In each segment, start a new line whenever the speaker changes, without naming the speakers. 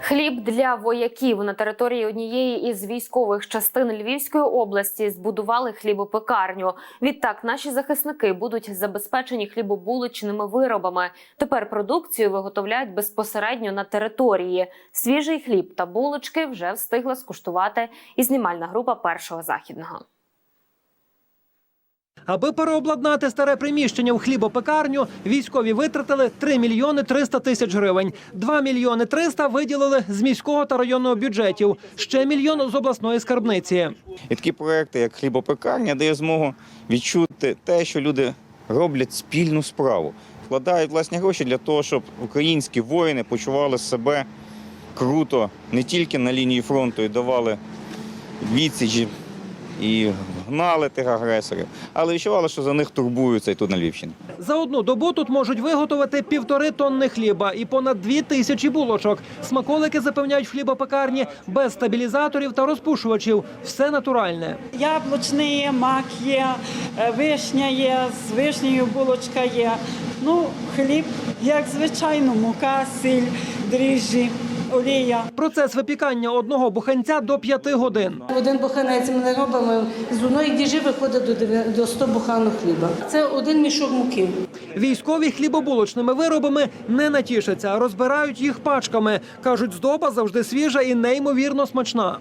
Хліб для вояків. На території однієї із військових частин Львівської області збудували хлібопекарню. Відтак наші захисники будуть забезпечені хлібобулочними виробами. Тепер продукцію виготовляють безпосередньо на території. Свіжий хліб та булочки вже встигла скуштувати і знімальна група Першого Західного.
Аби переобладнати старе приміщення у хлібопекарню, військові витратили 3 мільйони 300 тисяч гривень. 2 мільйони 300 виділили з міського та районного бюджетів. Ще мільйон з обласної скарбниці.
І такі проекти, як хлібопекарня, дає змогу відчути те, що люди роблять спільну справу. Вкладають власні гроші для того, щоб українські воїни почували себе круто не тільки на лінії фронту і давали відсіч і гнали тих агресорів, але відчували, що за них турбуються і тут на Львівщині.
За одну добу тут можуть виготовити 1,5 тонни хліба і понад 2 тисячі булочок. Смаколики запевняють в хлібопекарні без стабілізаторів та розпушувачів. Все натуральне.
Яблучний є, мак є, вишня є, з вишнею булочка є. Ну, хліб, як звичайно, мука, сіль, дріжджі, олія.
Процес випікання одного буханця до 5 годин.
Один буханець ми робимо, з одної діжі виходить до 100 буханок хліба. Це один мішок муки.
Військові хлібобулочними виробами не натішаться, розбирають їх пачками. Кажуть, здоба завжди свіжа і неймовірно смачна.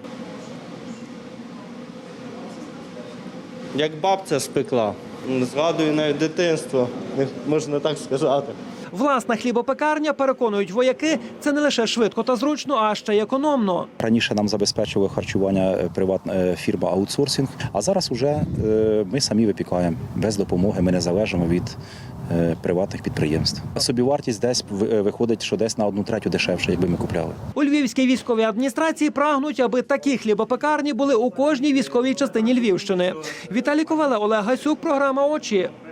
Як бабця спекла. Згадую навіть дитинство, можна так сказати.
Власна хлібопекарня, переконують вояки, це не лише швидко та зручно, а ще й економно.
Раніше нам забезпечували харчування приватна фірма аутсорсинг, а зараз вже ми самі випікаємо без допомоги, ми не залежимо від приватних підприємств. Собівартість десь виходить, що десь на 1/3 дешевше, якби ми купляли.
У Львівській військовій адміністрації прагнуть, аби такі хлібопекарні були у кожній військовій частині Львівщини. Віталій Ковале, Олег Гасюк, програма «Очі».